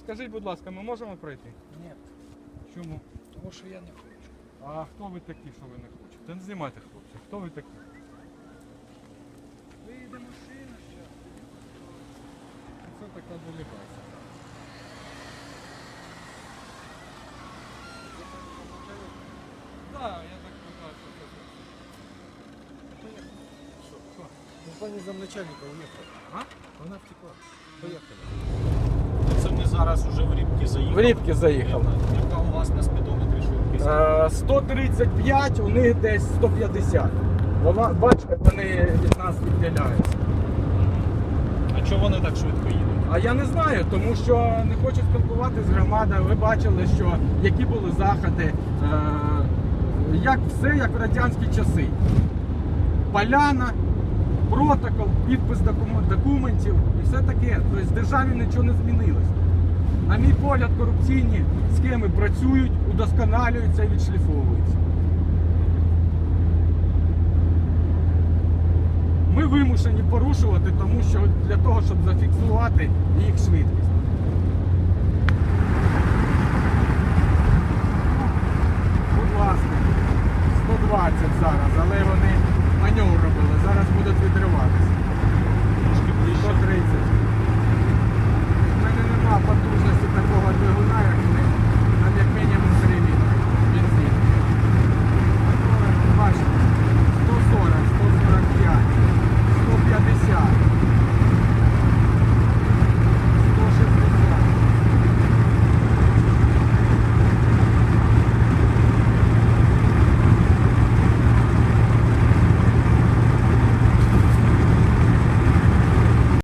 Скажіть, будь ласка, ми можемо пройти? Ні, Чому? тому що я не хочу. А хто ви такі, що ви не хочете? Не знімайте, хлопці. Хто ви такі? Вийде машина ще. Це така делегація. Так, я так вважаю, що це. Ну, пані замначальника уїхала. А? Вона втекла. Поїхали. Це ми зараз уже в Рібки заїхали. В Рібки заїхали. Яка у вас на спідометрі швидкість? 135, у них десь 150. Бачите, вони від нас відділяються. А чого вони так швидко їдуть? А я не знаю, тому що не хочу спілкуватися з громадою. Ви бачили, що які були заходи, як все, як в радянські часи. Поляна, протокол, підпис документів і все таке. Тобто в державі нічого не змінилось. На мій погляд, корупційні схеми працюють, удосконалюються і відшліфовуються. Ми вимушені порушувати, тому що для того, щоб зафіксувати їх швидкість. Будь ласка, 120 зараз, але вони маневр робили, зараз будуть відриватися. Трошки ближче. 130.